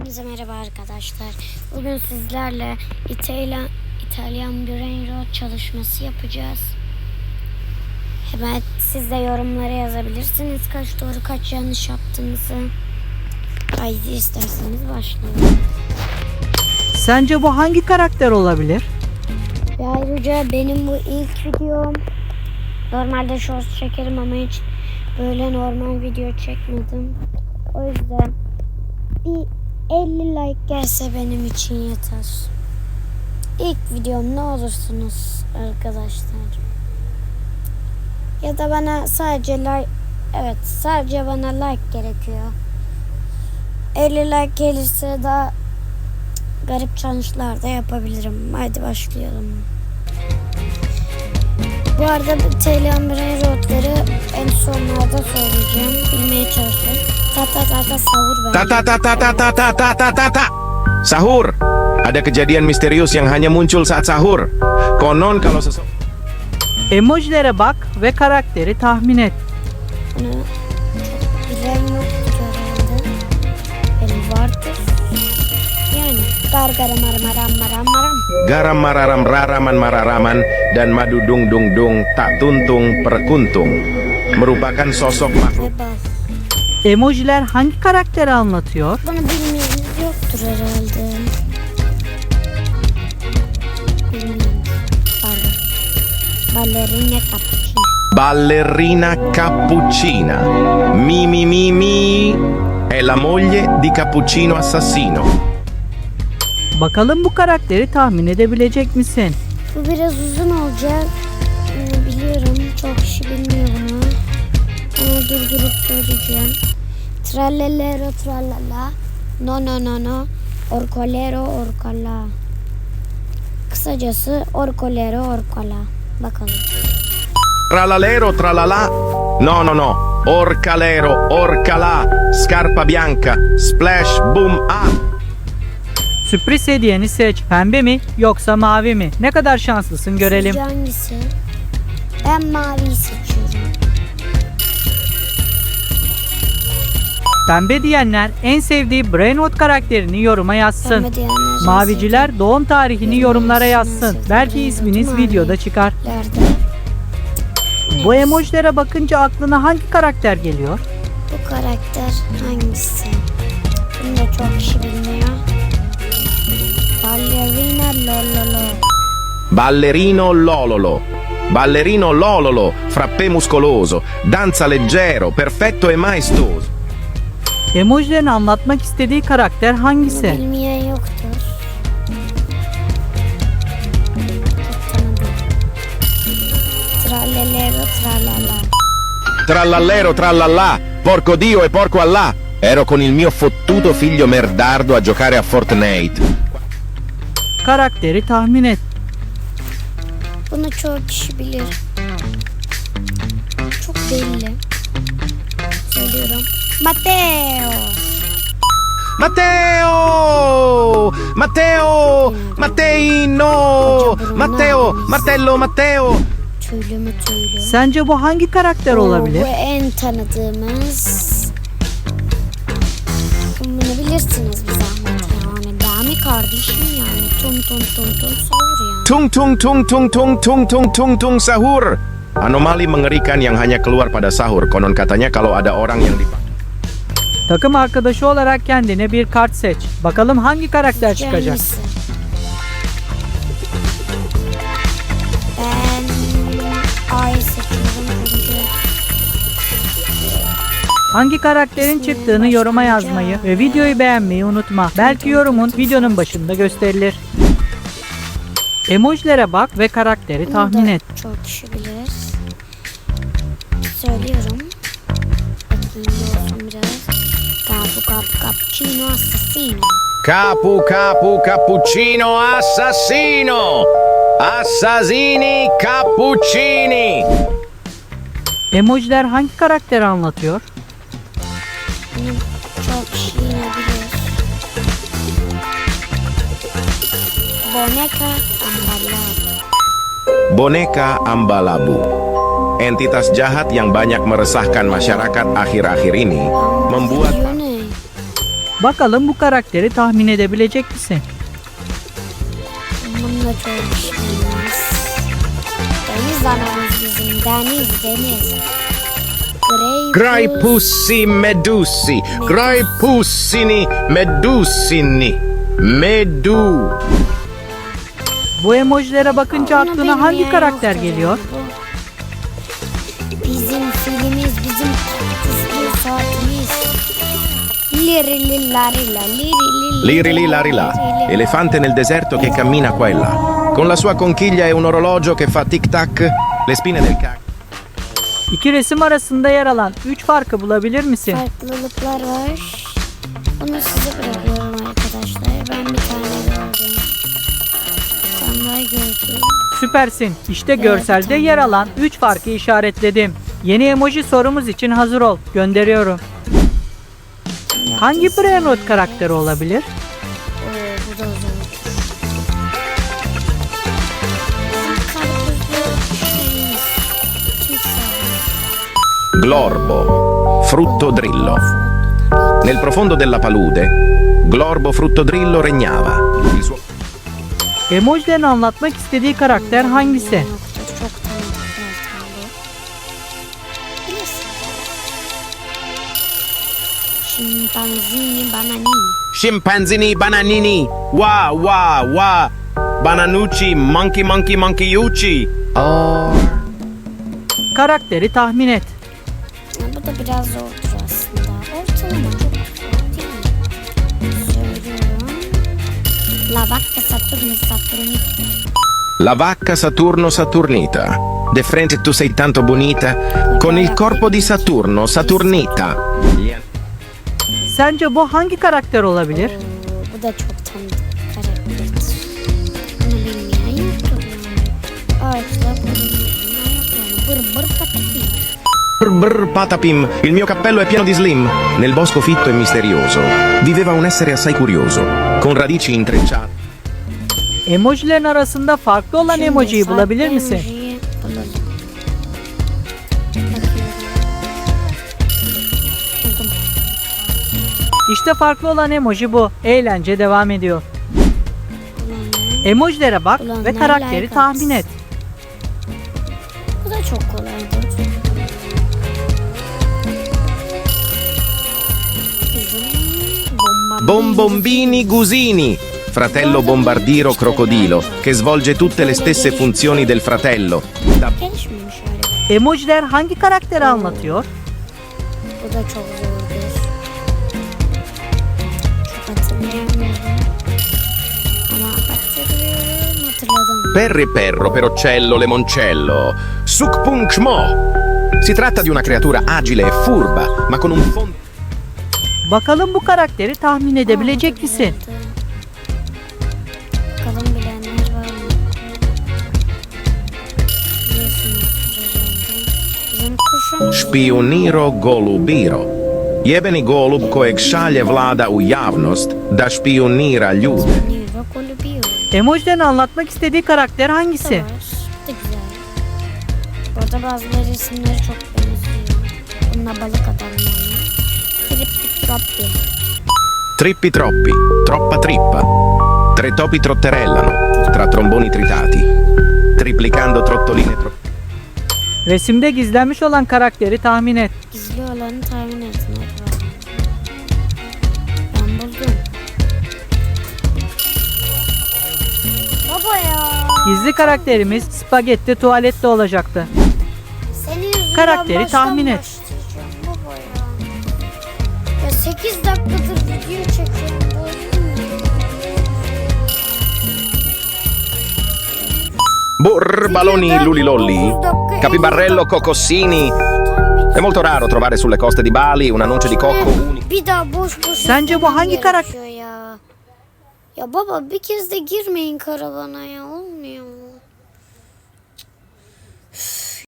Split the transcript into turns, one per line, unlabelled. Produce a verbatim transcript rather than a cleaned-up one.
Hepinize merhaba arkadaşlar. Bugün sizlerle İtalyan İtalyan Brain Rot çalışması yapacağız. Hemen siz de yorumlara yazabilirsiniz kaç doğru kaç yanlış yaptığınızı. Haydi isterseniz başlayalım.
Sence bu hangi karakter olabilir?
Ve ayrıca benim bu ilk videom. Normalde shorts çekerim ama hiç böyle normal video çekmedim. O yüzden bir elli like gelse benim için yeter. İlk videom ne olursunuz arkadaşlar. Ya da bana sadece like, evet sadece bana like gerekiyor. elli like gelirse daha garip challenge'lar da yapabilirim. Haydi başlayalım. Bu arada İtalyan Brain Rot'ları en sonlarda söyleyeceğim. Bilmeye çalışın. Ta ta ta ta sahur ben.
Ta ta ta ta ta ta ta ta ta ta ta. Sahur. Ada kejadian misterius yang hanya muncul saat sahur. Konon kalau seseorang
Emojilere bak ve karakteri tahmin et.
Bunu çok bilen yoktur herhalde. Benim vardır. Yani gargara maramaram maram maram.
garam mararam raraman mararaman dan madu dung dung dung tak tuntung perkuntung merupakan sosok makhluk.
Ve bal.
Emojiler hangi karakteri anlatıyor?
Bunu bilmeyeniniz yoktur herhalde. Bilmiyorum. Pardon. Ballerina cappuccino.
Ballerina cappuccina. Mi mi mi mi. È la moglie di Cappuccino Assassino.
Bakalım bu karakteri tahmin edebilecek misin?
Bu biraz uzun olacak. Ee, biliyorum. Çok kişi bilmiyor bunu. Ama durdurup söyleyeceğim. Trallellero trallala. No no no no. Orcolero orcala. Kısacası orcolero orcala. Bakalım.
Tralalero tralala. No no no. Orcalero orcala. Scarpa bianca. Splash boom ah.
Sürpriz hediyeni seç. Pembe mi yoksa mavi mi? Ne kadar şanslısın görelim.
Sizce hangisi? Ben maviyi seçiyorum.
Pembe diyenler en sevdiği Brain Rot karakterini yoruma yazsın.
Pembe diyenler
Maviciler doğum tarihini yorumlara yazsın.
sevdiği
Belki
Brain
isminiz
Rot'u
videoda çıkar.
mavilerde.
Bu emojilere bakınca aklına hangi karakter geliyor?
Bu karakter hangisi? Bunu da çok kişi bilmiyor. Ballerina Lololo.
Ballerino Lololo. Ballerino Lololo, frappè muscoloso, danza leggero, perfetto e maestoso.
Emojilerin anlatmak istediği karakter
Bunu
hangisi?
bilmeyen yoktur. Çok tanıdım. Trallellero trallala.
Trallallero trallallà, porco Dio e porco Allah. Ero con il mio fottuto figlio merdardo a giocare a Fortnite.
Karakteri tahmin et.
Bunu çok kişi bilir. Çok belli. Söylüyorum. Matteo.
Matteo! Matteo! Matteino! Matteo! Martello Matteo!
Tüylü mü tüylü?
Sence bu hangi karakter
Oo,
olabilir?
Bu en tanıdığımız. Bunu bilirsiniz bir zahmet yani. Dami kardeşim yani. Tun tun tun tun sahur yani.
Tung tung tung tung tung tung tung tung tung sahur. Anomali mengerikan yang hanya keluar pada sahur. Konon katanya kalau ada orang yang dipakai.
Takım arkadaşı olarak kendine bir kart seç. Bakalım hangi karakter çıkacak?
Hangisi? Ben A'yı seçiyorum çünkü.
Hangi karakterin çıktığını yoruma yazmayı ve videoyu beğenmeyi unutma. Belki yorumun videonun başında gösterilir. Emojilere bak ve karakteri
Bunu
tahmin
da
et.
çok kişi bilir. Söylüyorum. Bakayım olsun biraz. Capu capu cappuccino assassino.
Capu capu cappuccino assassino. Assassini cappuccini.
Emojiler hangi karakteri anlatıyor?
Bunu çok kişi yine bilir. Boneka ambalabu.
Boneka Ambalabu. Entitas jahat yang banyak meresahkan masyarakat akhir-akhir ini membuat
Video ne?
Bakalım bu karakteri tahmin edebilecek misin?
Bununla çok işimiz. Deniz anamız bizim. Deniz, deniz. Grey
Graipussi medusi, Graipussini medusini, Medu.
Bu emojilere bakınca
Onu
aklına hangi
bilmeyen
karakter
yoktur
geliyor?
bu. Bizim filmimiz, bizim çizgi saatimiz. Liri li lari la, liri li
Liri li lari la, elefante nel deserto che cammina qua e là. Con la sua conchiglia e un orologio che fa tic-tac, le spine del cacchio.
İki resim arasında yer alan üç farkı bulabilir misin?
Farklılıklar var. Bunu size bırakıyorum arkadaşlar. Ben bir tane gördüm. Bir tane daha gördüm.
Süpersin. İşte
Evet,
görselde
tamam.
yer alan üç farkı işaretledim. Yeni emoji sorumuz için hazır ol. Gönderiyorum. Hangi Brainrot karakteri olabilir?
Oo, bu da zor. Bizim karpuzlu şeyimiz. Timsah.
Glorbo, fruttodrillo. Nel profondo della palude, Glorbo fruttodrillo regnava. Il suo...
Emojilerin anlatmak istediği karakter hangisi?
Nokta, çok tanıdık zaten bu. Bilirsin. Şimpanzini bananini.
Scimpanzini bananini, wa wa wa, bananucci, monkey monkey monkeyucci. Oh.
Karakteri tahmin et.
Bu da biraz zordur aslında. Ortalama çok zor değil mi? Söylüyorum. La vacca Saturni Saturni.
La vacca Saturno Saturnita. De frente tu sei tanto bonita, con il corpo di Saturno Saturnita.
Sence bu hangi karakter olabilir?
Oo, bu da çok tanıdık bir karakter. Bunu bilmeyen yoktur yani. Ağaçta bulunmayan yok yani. Bır bır patapim.
Brr brr patapim, il mio cappello è pieno di slim. Nel bosco fitto e misterioso viveva un essere assai curioso, con radici intrecciate.
Emojilerin arasında farklı olan
Şimdi
emojiyi
farklı
bulabilir misin?
emojiyi bulalım. Bakıyorum. Buldum.
İşte farklı olan emoji bu. Eğlence devam ediyor.
Bulanlar.
Emojilere bak
Ulan
ve
ne
karakteri
like
tahmin et.
Bu da çok kolaydır. Bizim bomba-
Bombombini Gusini, fratello bombardiro crocodilo, che svolge tutte le stesse funzioni del fratello. Da
Gelişmemiş öyle.
Emojiler hangi karakteri anlatıyor?
Bu da çok zordur. Çok hatırlayamıyorum. Ama hatırlıyorum, hatırladım.
Perri perro per uccello lemoncello, Sukpunkmo. Si tratta di una creatura agile e furba, ma con un fondo.
Bakalım bu karakteri tahmin edebilecek misin?
Bakalım bilenler var mı? Biliyorsunuz herhalde. Bizim kuşumuz.
Špioniro golubiro. Jebeni golub kojeg šalje vlada u javnost da špionira ljude.
Niro Golubio.
Emojilerin anlatmak istediği karakter
Bu da
hangisi?
var. Bu da güzel. Bu arada bazıları isimleri çok benziyor. Bununla balık adam yani. Trippi troppi.
Trippi troppi, troppa trippa. Tre topi trotterellano, tra tromboni tritati. Triplicando trottoline tro...
Resimde gizlenmiş olan karakteri tahmin et.
Gizli olanı tahmin etmek var. Ben buldum. Baba ya.
Gizli karakterimiz spagetti tuvalette olacaktı.
Senin yüzünden
Karakteri
baştan
tahmin et.
başlayacağım baba ya. Ya sekiz dakikadır video çekiyorum.
Burr, baloni lulilolli, capibarrello cocossini. È molto raro trovare sulle coste di Bali una noce di cocco unica.
Bir daha boş boş.
Sence bu hangi
izlemem
karakter?
gerekiyor ya? Ya baba bir kez de girmeyin karavana ya, olmuyor.